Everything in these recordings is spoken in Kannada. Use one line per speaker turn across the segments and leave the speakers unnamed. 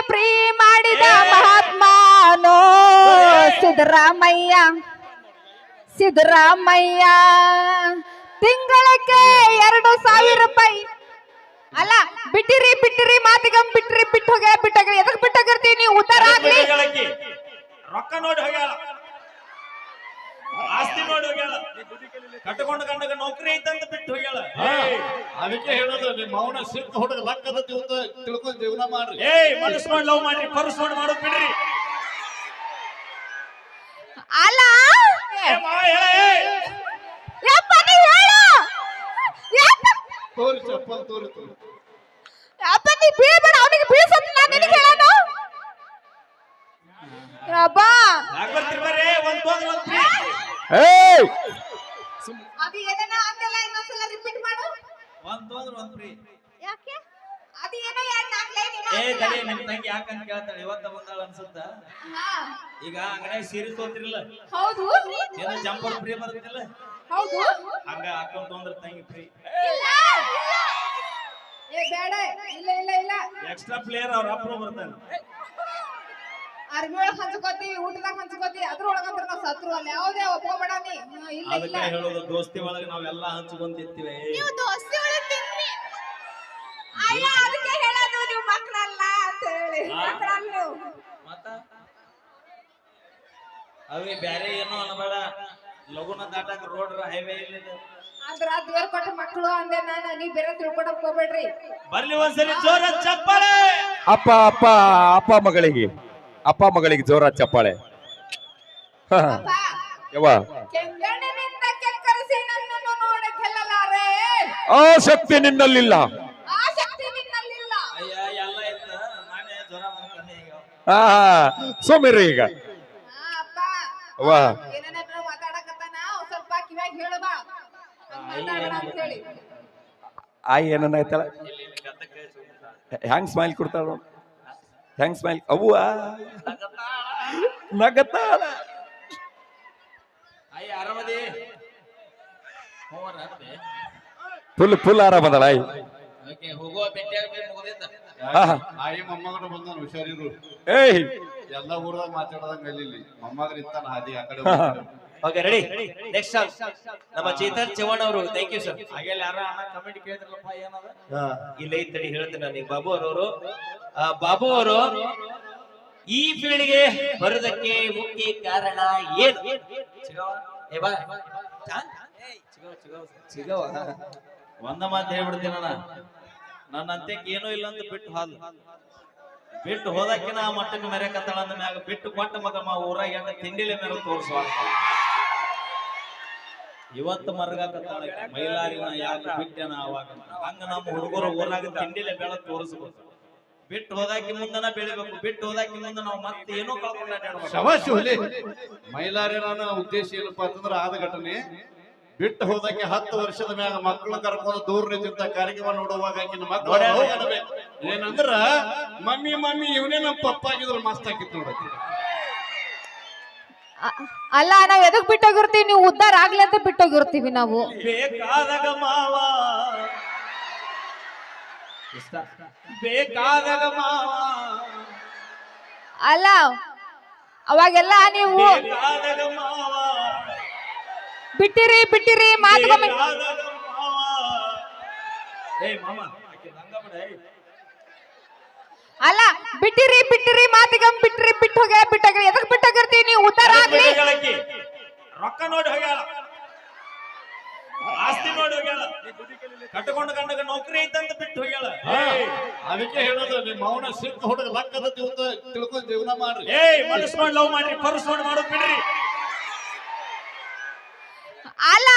ಫ್ರೀ ಮಾಡಿದ ಮಹಾತ್ಮನೋ ಸಿದ್ದರಾಮಯ್ಯ ಸಿದ್ದರಾಮಯ್ಯ ತಿಂಗಳಕ್ಕೆ 2,000 ರೂಪಾಯಿ ಅಲ್ಲ ಬಿಟ್ಟಿರಿ ಬಿಟ್ಟಿರಿ ಮಾತಿಗಂ ಬಿಟ್ಟಿರಿ ಬಿಟ್ಟೋಗ್ರಿ ಎದಕ್ ಬಿಟ್ಟೋಗಿರ್ತೀವಿ ನೀವು ಉದ್ದಾರ ಆಗ್ಲಿ
ರೊಕ್ಕ ನೋಡಿ ಹೋಗ್ಯಾಳ ಆಸ್ತಿ ನೋಡಿ ಹೋಗ್ಯಾಳ ಕಟ್ಟಕೊಂಡ ಗಂಡಗ ನೌಕರಿ ಐತಂತ ಬಿಟ್ಟು ಹೋಗ್ಯಾಳ
ಅದಕ್ಕೆ ಹೇಳೋದು ನಿಮ್ಮ ಮೌನ ಸಿಕ್ಕ ಹುಡುಗ ಲಕ್ಕದ ತಿಳ್ಕೊಂಡು ಜೀವನ ಮಾಡ್ರಿ
ಮನಸ್ ನೋಡಿ ಲವ್ ಮಾಡ್ರಿ ಪರ್ಸ್ ನೋಡಿ ಮಾಡೋದ್ ಬಿಡ್ರಿ
ಅಲ್ಲ
ತೋರಿ ಚಪ್ಪಲ್ ತೋರಿ
ಅಪ್ಪ ನೀ ಬೀಳ್ಬೇಡ ಅವನಿಗೆ ಬೀಳ್ಸಂತ ನಾನು ನಿನಗೆ ಹೇಳೋಣ ಅಪ್ಪ ಅದು ಏನೇನ ಅಂದಲ್ಲ ಇನ್ನೊಂದ್ಸಲ ರಿಪೀಟ್ ಮಾಡು
ಒಂದ್ ಫ್ರೀ
ಯಾಕೆ ಅದು ಏನೋ ಯಾರು ನಾಲ್ಕು ಲೈನ್
ತಡಿ ನಿಮ್ ತಂಗಿ ಯಾಕಂತ ಕೇಳ್ತಾಳೆ ಇವತ್ತ ಬಂದಾಳ ಅನ್ಸುತ್ತ ಈಗ ಅಂಗಡಿ ಸೀರೆ ತೋತಿರಲ್ಲ
ಹೌದು
ಏನೋ ಜಂಪರ್ ಫ್ರೀ ಬರುತ್ತಿಲ್ಲ
ಹೌದು
ಹಂಗ ಹಾಕೊಂಡ್ ತೊಂದ್ರ ತಂಗಿ ಫ್ರೀ
ಏ ಬೇಡ ಇಲ್ಲ
ಎಕ್ಸ್ಟ್ರಾ ಪ್ಲೇಯರ್ ಅವ್ರ ಅಪ್ರೋ ಬರ್ತಾನೆ
ಅರ್ಬಿ ಒಳಗ್ ಹಂಚ್ಕೋತೀವಿ ಊಟದಾಗ ಹಂಚ್ಕೋತೀವಿ ಅದ್ರೊಳಗಂತ್ರ ನಾವು ಸತ್ರು ಅಲ್ಲ ಯಾವುದೇ ಒಪ್ಕೋಬೇಡ ನೀ ಇಲ್ಲ
ಅದಕ್ಕೆ ಹೇಳೋದು ದೋಸ್ತಿ ಒಳಗೆ ನಾವೆಲ್ಲ ಹಂಚ್ಕೊಂತಿರ್ತೀವಿ
ನೀವು ದೋಸ್ತಿ ಒಳಗ್ ತಿನ್ರಿ ಅಯ್ಯ ಅದಕ್ಕೆ ಹೇಳೋದು ನೀವು ಮಕ್ಕಳಲ್ಲ ಅಂತ ಹೇಳಿ ಮಕ್ಕಳಲ್ಲ
ಮತ್ತ ಅವೇ ಬ್ಯಾರೆ ಏನೋ ಅನ್ನಬೇಡ ಲಗುನ ದಾಟಾಕ ರೋಡ್ ಹೈವೇ ಇಲ್ಲ
ಆದ್ರ ದೇವ್ರ ಕೊಟ್ಟ ಮಕ್ಕಳು ಅಂದೆ ನಾನು ನೀ ಬೇರೆ ತಿಳ್ಕೊಡಕ್ ಹೋಗ್ಬೇಡ್ರಿ
ಬರ್ಲಿ ಒಂದ್ಸರಿ ಜೋರ ಚಪ್ಪಾಳೆ
ಅಪ್ಪ ಮಗಳಿಗೆ ಜೋರ ಚಪ್ಪಾಳೆ ಯವ್ವ
ಕೆಂಗಣ್ಣಿನಿಂದ ಕೆಕ್ಕರಿಸಿ ನನ್ನನ್ನು ನೋಡಿ ಗೆಲ್ಲಲಾರೆ
ಆ ಶಕ್ತಿ ನಿನ್ನಲ್ಲಿಲ್ಲ
ಆ ಶಕ್ತಿ ನಿನ್ನಲ್ಲಿಲ್ಲ
ಅಯ್ಯ ಎಲ್ಲ ಇತ್ತ ನಾನೇ ಜ್ವರ ಮಾಡ್ಕೊಂಡೆ ಈಗ
ಸೋಮಿರಿ ಈಗ
ಅಪ್ಪ
ಅವ್ವ
ಏನೇನಾದ್ರೂ ಮಾತಾಡಕತ್ತಾನ ಸ್ವಲ್ಪ ಕಿವ್ಯಾಗ ಹೇಳು ಬಾ ಮಾತಾಡೋಣ ಅಂತ ಹೇಳಿ
ಆಯ್ ಏನನ್ನಾಯ್ತಲ್ಲ ಹ್ಯಾಂಗ್ ಸ್ಮೈಲ್ ಕೊಡ್ತಾಳ ಹ್ಯಾಂಗ್ ಸ್ಮೈಲ್ ಅವ್ವ ನಗತಾಳ
ಅಯ್ಯ ಆರಾಮದಿ
ಫುಲ್ ಆರಾಮದಳ ಆಯ್
ಓಕೆ ಹೋಗುವ ಭೇಟಿಯಾಗ ಮುಗಿದಿದ್ದ
ಆಯಿ ಮೊಮ್ಮಗನು ಬಂದಾನ ಹುಷಾರಿರು
ಏಯ್
ಎಲ್ಲ ಊರದಾಗ ಮಾತಾಡೋದಂಗ ಇಲ್ಲಿ ಮೊಮ್ಮಗನ ಇತ್ತಾನ ಹಾದಿ ಆ ಕಡೆ
ಓಕೆ ರೆಡಿ ನೆಕ್ಸ್ಟ್ ನಮ್ಮ ಚೇತನ್ ಚವ್ಹಾಣ್ ಅವರು ಥ್ಯಾಂಕ್ ಯು ಸರ್ ಹಾಗೆಲ್ಲ ಯಾರ ಕಮೆಂಟ್ ಕೇಳಿದ್ರಲ್ಲಪ್ಪ ಏನದ ಇಲ್ಲ ಇತ್ತಡಿ ಹೇಳ್ತೀನಿ ನನಗೆ ಬಾಬು ಅವರು ಈ ಫೀಲ್ಡ್ಗೆ ಬರೋದಕ್ಕೆ ಮುಖ್ಯ ಕಾರಣ ಏನು ಒಂದ ಮಾತು ಹೇಳ್ಬಿಡ್ತೀನಿ ನನ್ನ ಅಂತ್ಯಕ್ಕೆ ಏನೂ ಇಲ್ಲ ಅಂತ ಬಿಟ್ಟು ಹೋದಕ್ಕಿನ ಆ ಮಟ್ಟಕ್ಕೆ ಮೆರೆಕತ್ತಾಳ ಅಂದ ಮ್ಯಾಗ ಬಿಟ್ಟು ಕೊಟ್ಟ ಮಗ ಊರಾಗ ತಿಂಡಿಲೆ ಮೇಲೆ ತೋರಿಸುವ ಇವತ್ತು ಮರಗಾಕತ್ತಾಳ ಮೈಲಾರಿನ ಯಾಕೆ ಬಿಟ್ಟೆನ ಅವಾಗ ಹಂಗ ನಮ್ಮ ಹುಡುಗರು ಊರಾಗ ತಿಂಡಿಲೆ ಬೆಳ ತೋರಿಸ್ಬೇಕು ಬಿಟ್ಟು ಹೋದಾಕಿ ಮುಂದನ ಬೆಳಿಬೇಕು ಬಿಟ್ಟು ಹೋದಾಕಿ ಮುಂದೆ ನಾವು ಮತ್ತೆ ಏನೋ ಕಳ್ಕೊಂಡ
ಮೈಲಾರಿ ನನ್ನ ಉದ್ದೇಶ ಏನಪ್ಪಾ ಅಂತಂದ್ರ ಆದ ಘಟನೆ ಬಿಟ್ಟು ಹೋದಕ್ಕೆ 10 ವರ್ಷದ ಮ್ಯಾಗ ಮಕ್ಕಳು ಕರ್ಕೊಂಡು ದೂರ ನಿಂತ ಕಾರ್ಯಕ್ರಮ ನೋಡುವಾಗ ಮಕ್ಕಳು ಏನಂದ್ರ ಮಮ್ಮಿ ಇವನೇ ನಮ್ಮ ಪಪ್ಪ ಆಗಿದ್ರು ಮಸ್ತ್ ಆಗಿತ್ತು ನೋಡಕ್ಕೆ
ಅಲ್ಲ ನಾವ್ ಎದಕ್ ಬಿಟ್ಟೋಗಿರ್ತೀವಿ ನೀವು ಉದ್ದಾರ ಆಗ್ಲಿ ಅಂತ ಬಿಟ್ಟೋಗಿರ್ತೀವಿ ನಾವು
ಬೇಕಾದಾಗ ಮಾವ ಬೇಕಾದಾಗ ಮಾವ
ಅಲ್ಲ ಅವಾಗೆಲ್ಲ ನೀವು
ಬೇಕಾದಾಗ ಮಾವ
ಬಿಟ್ಟಿರಿ ಮಾತುಗೊಮ್ಮೆ ಅಲ್ಲ ಬಿಟ್ಟಿರಿ ಮಾತಿಗಂ ಬಿಟ್ಟೋಗ್ರಿ ಎದಕ್ ಬಿಟ್ಟೋಗಿರ್ತೀವಿ ನೀವು ಉದ್ದಾರ ಆಗ್ಲಿ
ರೊಕ್ಕ ನೋಡಿ ಹೋಗ್ಯಾಳ ಆಸ್ತಿ ನೋಡಿ ಹೋಗ್ಯಾಳ ಕಟ್ಟಕೊಂಡ ಗಂಡಗ ನೌಕರಿ ಐತಂತ ಬಿಟ್ಟು ಹೋಗ್ಯಾಳ
ಅದಕ್ಕೆ ಹೇಳೋದು ನಿಮ್ಮ ಮೌನ ಸಿಕ್ಕ ಹುಡುಗ ಲಕ್ಕದ ತಿಳ್ಕೊಂಡು ಜೀವನ ಮಾಡ್ರಿ
ಮನಸ್ ನೋಡಿ ಲವ್ ಮಾಡ್ರಿ ಪರ್ಸ್ ನೋಡಿ ಮಾಡೋದ್ ಬಿಡ್ರಿ
ಅಲ್ಲ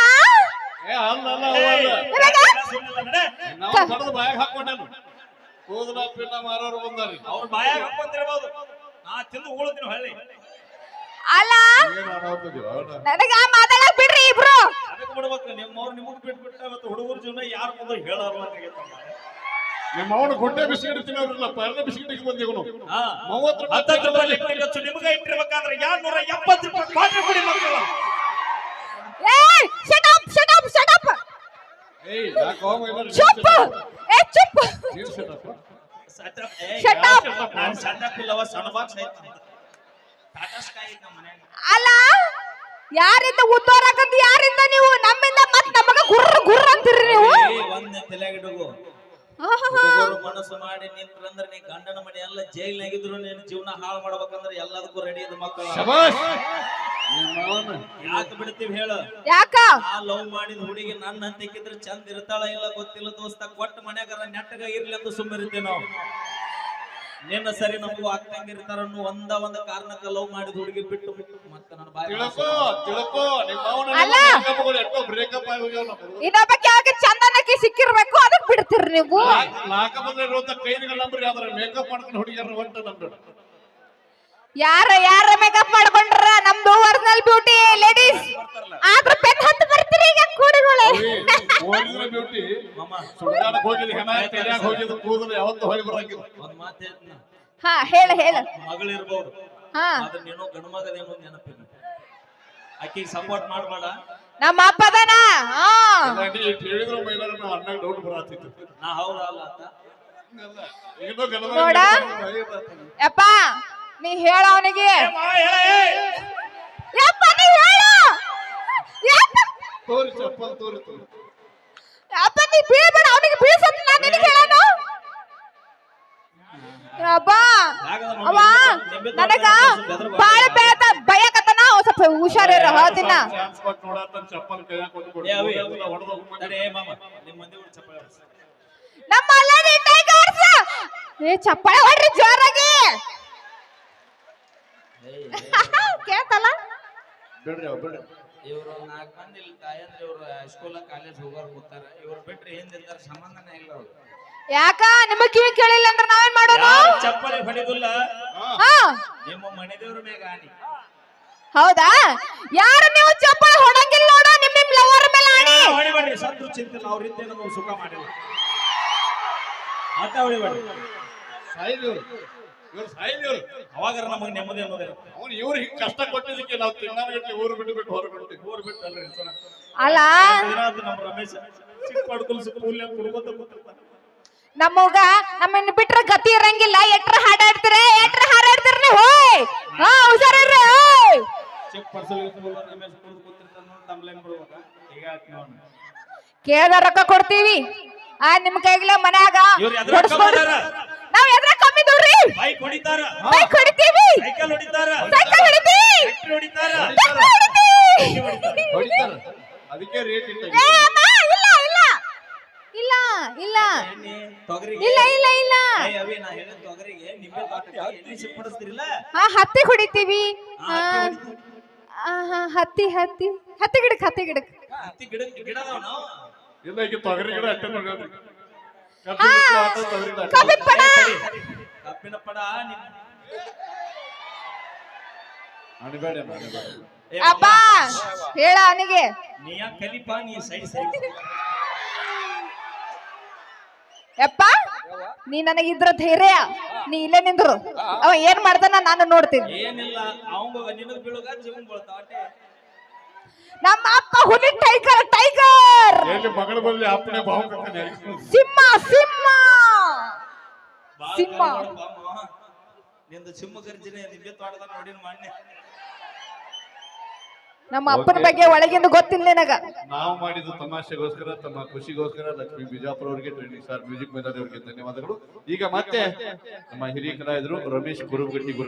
ನಾವು ಕಡದ ಬಾಯಾಗ ಹಾಕೊಂಡೇನು ಕೂದಲ ಪಿನ್ನ ಮಾರೋರು ಬಂದಾರಿ
ಅವ್ರ ಬಾಯಾಗ ಹಾಕೊಂತಿರ್ಬೋದು ನಾ ತಿಂದು ಉಳಿದಿನ ಹಳ್ಳಿ
ಅಲ್ಲ ನನಗ ಮಾತಾಡಕ್ ಬಿಡ್ರಿ ಇಬ್ರು
ಅದಕ್ಕೆ ಬಿಡ್ಬೇಕು ನಿಮ್ಮವ್ರು ನಿಮಗ್ ಬಿಟ್ಬಿಟ್ಟ ಇವತ್ತು ಹುಡುಗರ ಜೀವನ ಯಾರ ಮುಂದೆ ಹೇಳಾರ
ನಿಮ್ಮ ಅವನು ಗುಡ್ಡೆ ಬಿಸ್ಕಿಟ್ ತಿನ್ನೋರಿಲ್ಲ ಪರ್ಲೆ ಬಿಸ್ಕಿಟ್ ಬಂದಿವನು
30 ರೂಪಾಯಿ ಖರ್ಚು ನಿಮಗೆ ಇಟ್ಟಿರ್ಬೇಕಾದ್ರೆ 270 ರೂಪಾಯಿ ಕ್ವಾರ್ಟರ್ ಕೊಡಿ ಮಕ್ಕಳು
ಶಟ್ ಅಪ್
ಏಯ್ ಯಾಕೋ
ಚುಪ್ Shut up.
ನಾನು ಸಣ್ಣ ಪಿಲ್ಲವ ಸಣ್ಣ ಬಾಕ್ಸ್ ಐತಿ ಟಾಟಾ ಸ್ಕೈ ಐತಿ ನಮ್ಮ ಮನ್ಯಾಗ.
ಅಲ್ಲ ಯಾರಿಂದ ಉದ್ದೋರಾಕಂತ ಯಾರಿಂದ ನೀವು ನಮ್ಮಿಂದ ಮತ್ ನಮಗ ಗುರ್ರ ಗುರ್ರ ಅಂತೀರಿ ನೀವು
ಒಂದ್ ತಲೆಗಿಡುಗು
ಆಹಾಹಾ.
ಹುಡುಗರು ಮನಸ್ಸು ಮಾಡಿ ನಿಂತ್ರಂದ್ರ ನೀ ಗಂಡನ ಮನೆ ಎಲ್ಲ ಜೈಲ್ನಾಗಿದ್ರು ನೀನು ಜೀವನ ಹಾಳು ಮಾಡ್ಬೇಕಂದ್ರ ಎಲ್ಲದಕ್ಕೂ ರೆಡಿ ಇದ್ ಮಕ್ಕಳು
ಶಬಾಷ್ ನಿಮ್ಮ ಮಾವನ.
ಯಾಕೆ ಬಿಡ್ತೀವಿ ಹೇಳು
ಯಾಕ
ಆ ಲವ್ ಮಾಡಿದ ಹುಡುಗಿ ನನ್ನ ಹಂತಕ್ಕಿದ್ರೆ ಚಂದ ಇರ್ತಾಳ ಇಲ್ಲ ಗೊತ್ತಿಲ್ಲ ದೋಸ್ತ ಕೊಟ್ಟ ಮನ್ಯಾಗ ನೆಟ್ಟಗ ಇರ್ಲಿ ಅಂತ ಸುಮ್ಮನಿರ್ತೀವಿ ನಾವು. ನಿನ್ನ ಸರಿ ನಮಗೂ ಆಗ್ತಂಗಿರ್ತಾರ ಅನ್ನೋ ಒಂದ ಕಾರಣಕ್ಕ ಲವ್ ಮಾಡಿದ ಹುಡುಗಿ ಬಿಟ್ಟು ಮತ್ತೆ ನನ್ನ ಬಾಯಿ
ತಿಳ್ಕೋ ತಿಳ್ಕೋ ನಿಮ್ಮ ಮಾವನ
ಅಲ್ಲ.
ಎಷ್ಟೋ ಬ್ರೇಕಪ್ ಆಗಿ ಹೋಗ್ಯಾವ ನಾವು.
ಇನ್ನೊಬ್ಬಕ್ಕೆ ಯಾಕೆ ಚಂದನಕ್ಕೆ ಸಿಕ್ಕಿರ್ಬೇಕು ಅದಕ್ ಬಿಡ್ತೀರಿ ನೀವು
ನಾಲ್ಕ ಬಂದ್ರೆ ಇರುವಂತ ಕೈದಿಗಳ ನಂಬರ್ ಯಾವ್ದಾರ ಮೇಕಪ್ ಮಾಡ್ಕೊಂಡು ಹುಡುಗಿಯರ ಹೊಂಟ ನಂಬರ್
ಯಾರ ಮೇಕಪ್ ಮಾಡ್ಕೊಂಡ್ರ ನಮ್ದು ಒರಿಜಿನಲ್ ಬ್ಯೂಟಿ ಲೇಡೀಸ್ ಆದ್ರ ಪೆನ್ ಹತ್ತು ಬರ್ತೀರಿ ಈಗ ಕೂಡಿಗಳು
ಒರಿಜಿನಲ್ ಬ್ಯೂಟಿ
ಮಾಮ
ಸುಳ್ಗಾಡಕ್ ಹೋಗಿದ್ ಹೆಣ ತೆರ್ಯಾಗ ಹೋಗಿದ್ ಕೂದಲು ಯಾವತ್ತೂ ಹೋಗಿ ಬರಂಗಿಲ್ಲ.
ಒಂದ್ ಮಾತು ಹೇಳ್ತೀನಿ
ಹಾ ಹೇಳ
ಮಗಳಿರ್ಬೋದು
ಹಾ
ಆದ್ರೆ ನೀನು ಗಂಡು ಮಗದೇನು ನೆನಪಿಲ್ಲ ಆಕಿಗೆ ಸಪೋರ್ಟ್ ಮಾಡ್ಬೇಡ.
ನಮ್ಮ ಅಪ್ಪದನ ಹಾ
ಹೇಳಿದ್ರು ಮೈಲಾರ ನಾವು ಅಣ್ಣಾಗ ಡೌಟ್ ಬರತ್ತಿತ್ತು.
ನಾ ಹೌದಾ ಅಲ್ಲ ಅಂತ
ಏನೋ ಗಣದ
ನೋಡ. ಯಪ್ಪ ನೀ ಹೇಳ ಅವನಿಗೆ ಯಪ್ಪ ನೀ ಹೇಳ
ತೋರಿ ಚಪ್ಪಲ್ ತೋರಿ ತೋರಿ
ಯಪ್ಪ ನೀ ಬೀಳ್ಬೇಡ ಅವನಿಗೆ ಬೀಳ್ಸತ್ ನಾನು ನಿನಗೆ ಹೇಳೋಣ ಅಪ್ಪ ಅವ ನನಗ ಬಾಳ ಬೇಡ ಭಯಕತನ ಸ್ವಲ್ಪ ಹುಷಾರಿರ ಹೇಳ್ತೀನ
ಚಾನ್ಸ್ ಕೊಟ್ಟು ನೋಡತ್ತ ಚಪ್ಪಲ್ ಕೈಯಾಗ ಕೊಟ್ಟು
ಏ ಅವಿ,
ಹೊಡೆದ
ತಡಿ, ಏ ಮಾಮ ನಿಮ್ಮ ಮಂದಿ ಕೂಡ ಚಪ್ಪಾಳೆ ಹೊಡ್ಸಿ.
ನಮ್ಮ ಅಲ್ಲದಿ ಟೈಗರ್ಸ್ ಏ ಚಪ್ಪಾಳೆ ಹೊಡ್ರಿ ಜೋರಾಗಿ ಕೇಳ್ತಲ್ಲ
ಬಿಡ್ರಿ ಅವ್ ಬಿಡ್ರಿ.
ಇವ್ರು 4 ಮಂದಿ ಇಲ್ಲಿ ತಾಯಂದ್ರೆ ಇವ್ರು ಸ್ಕೂಲ್ ಕಾಲೇಜ್ ಹೋಗೋರು ಕೂತಾರ ಇವ್ರು ಬಿಟ್ರೆ ಹಿಂದಿರ್ತಾರ ಸಂಬಂಧನೇ ಇಲ್ಲ ಅವ್ರು.
ಯಾಕ ನಿಮಗ್ ಕಿವಿ ಕೇಳಿಲ್ಲ ಅಂದ್ರೆ ನಾವೇನ್ ಮಾಡೋಣ
ಯಾರು ಚಪ್ಪಲಿ ಹೊಡಿದಿಲ್ಲ
ಹಾ
ನಿಮ್ಮ ಮನೆ ದೇವ್ರ ಮ್ಯಾಗ ಆನಿ.
ಹೌದಾ ಯಾರು ನೀವು ಚಪ್ಪಾಳೆ ಹೊಡಂಗಿಲ್ಲ ನೋಡು ನಿಮ್ ಲವರ್ ಮೇಲೆ ಆಣಿ
ಹೊಡಿಬೇಡ್ರಿ ಸತ್ರು ಚಿಂತಿಲ್ಲ ಅವ್ರಿಂದ ನಮಗೆ ಸುಖ ಮಾಡಿಲ್ಲ ಮತ್ತೆ ಹೊಡಿಬೇಡ್ರಿ.
ಸಾಯಿಲ್ ಇವ್ರು ಸಾಯಿಲ್ ಇವ್ರು
ಅವಾಗಾರ ನಮಗೆ ನೆಮ್ಮದಿ ಅನ್ನೋದೇ
ಅವ್ನು ಇವ್ರು ಹಿಂಗ್ ಕಷ್ಟ ಕೊಟ್ಟಿದ್ದಕ್ಕೆ ನಾವು ತಿಂಗಳಗಟ್ಟಲೆ ಊರು ಬಿಟ್ಟು ಹೊರಬಿಡ್ತೀವಿ.
ಊರ್ ಬಿಟ್ಟಲ್ರಿ
ಅಲ್ಲ
ನಮ್ಮ ರಮೇಶ್ ಚಿಕ್ಕ ಪಡ್ಕೊಲ್ ಸ್ಕೂಲ್ ಕುಡ್ಕೋತ ಕೂತಿರ್ತಾನೆ.
ನಮ್ಮನ್ನ ಬಿಟ್ರೆ ಗತಿ ಇರಂಗಿಲ್ಲ ಎಟ್ರ ಹಾಡಾಡ್ತೀರ ಹೋಯ್ ಹಾ ಹುಷಾರಿರ್ರಿ ಹೋಯ್
ಚಿಕ್ಕ ಪಡ್ಸಲ್ ರಮೇಶ್ ಕುಡ್ದು ಕೂತಿರ್ತಾನ ನೋಡಿ ತಮ್ಲೇನ್ ಬಿಡ್ಬೇಕ ಈಗ ಆಯ್ತು ನೋಡ್.
ಕೇಳ್ದ ರೊಕ್ಕ ಕೊಡ್ತೀವಿ ನಿಮ್ ಕೈಗ್ಲೆ ಮನ್ಯಾಗ
ಇವ್ರು ಎದ್ರ
ಹೊಡ್ಸ್ಕೊಡ್ರಿ. ನಾವ್ ಎದ್ರ ಕಮ್ಮಿ ನೋಡ್ರಿ
ಬೈಕ್ ಹೊಡಿತಾರ
ಬೈಕ್ ಹೊಡಿತೀವಿ
ಸೈಕಲ್ ಹೊಡಿತಾರ
ಸೈಕಲ್ ಹೊಡಿತೀವಿ
ಟ್ರ್ಯಾಕ್ಟರ್ ಹೊಡಿತಾರ
ಟ್ರ್ಯಾಕ್ಟರ್ ಹೊಡಿತೀವಿ.
ಹೊಡಿತಾರ ಅದಕ್ಕೆ ರೇಟ್ ಇಲ್ಲ.
ಏ ಅಮ್ಮ, ಇಲ್ಲ
ಎಣ್ಣೆ, ತೊಗರಿಗೆ
ಇಲ್ಲ
ಏ ಅವಿ ನಾ ಹೇಳಿದ ತೊಗರಿಗೆ ನಿಂಬೆ ತೋಟಕ್ಕೆ ಎಣ್ಣೆ ಸಿಂಪಡಿಸ್ತಿರಿಲ್ಲ
ಹಾ ಹತ್ತಿ ಹೊಡಿತೀವಿ
ಆ, ಹತ್ತಿ ಹೊಡಿತೀವಿ.
ಹತ್ತಿ ಗಿಡಕ್
ಹತ್ತಿ ಗಿಡದವ ನಾವು
ಇಲ್ಲ ಈಗ ತೊಗರಿ ಗಿಡ ಅಟ್ಟೆ ನೋಡ್ರಿ.
ಕಬ್ಬಿನ ಪಡ
ಕಬ್ಬಿನ ಪಡ
ಅಣಬೇಡ
ಏ
ಅಪ್ಪ ಹೇಳ ಅವನಿಗೆ
ನೀ ಯಾಕೆ ಕಲಿಪ ನೀ ಸೈಡ್
ಯಪ್ಪ ನೀ ನನಗಿದ್ರ ಧೈರ್ಯ ನೀ ಇಲ್ಲೇ ನಿಂದ್ರು ಅವ ಏನ್ ಮಾಡ್ತಾನ ನಾನು ನೋಡ್ತೀನಿ
ಏನಿಲ್ಲ ಅವಂಗ ನಿನಗ್ ಬೀಳುಗ ಜೀವನ್ ಬೀಳ್ತಾವ ಅಟ್ಟೆ.
ನಮ್ಮ ಅಪ್ಪ ಹುಲಿ ಟೈಗರ್
ಎಲ್ಲಿ ಮಗಳ ಬದಲಿ ಅಪ್ಪನೇ ಭಾವ
ಸಿಂಹ
ಬಾಳ್
ಸಿಂಹ.
ಕರಿ ನೋಡಪ್ಪ ಮಾವ. ನಿಂದು ಸಿಂಹ ಗರ್ಜನೆ ನಿಂಬೆ ತೋಟದ ನೋಡಿನ ಮಾನ್ಯ
ನಮ್ಮ ಅಪ್ಪನ ಬಗ್ಗೆ ಒಳಗಿಂದ ಗೊತ್ತಿಲ್ಲ ನಿನಗ
ನಾವು ಮಾಡಿದ ತಮಾಷೆಗೋಸ್ಕರ ತಮ್ಮ ಖುಷಿಗೋಸ್ಕರ ಲಕ್ಷ್ಮೀ ಬಿಜಾಪುರ ಅವರಿಗೆ ಟ್ರೈನಿಂಗ್ ಸ್ಟಾರ್ ಮ್ಯೂಸಿಕ್ ಮೇಧಾವಿ ಅವರಿಗೆ ಧನ್ಯವಾದಗಳು. ಈಗ ಮತ್ತೆ ನಮ್ಮ ಹಿರಿಯ ಕಲಾವಿದರು ರಮೇಶ್ ಗುರುಗಟ್ಟಿ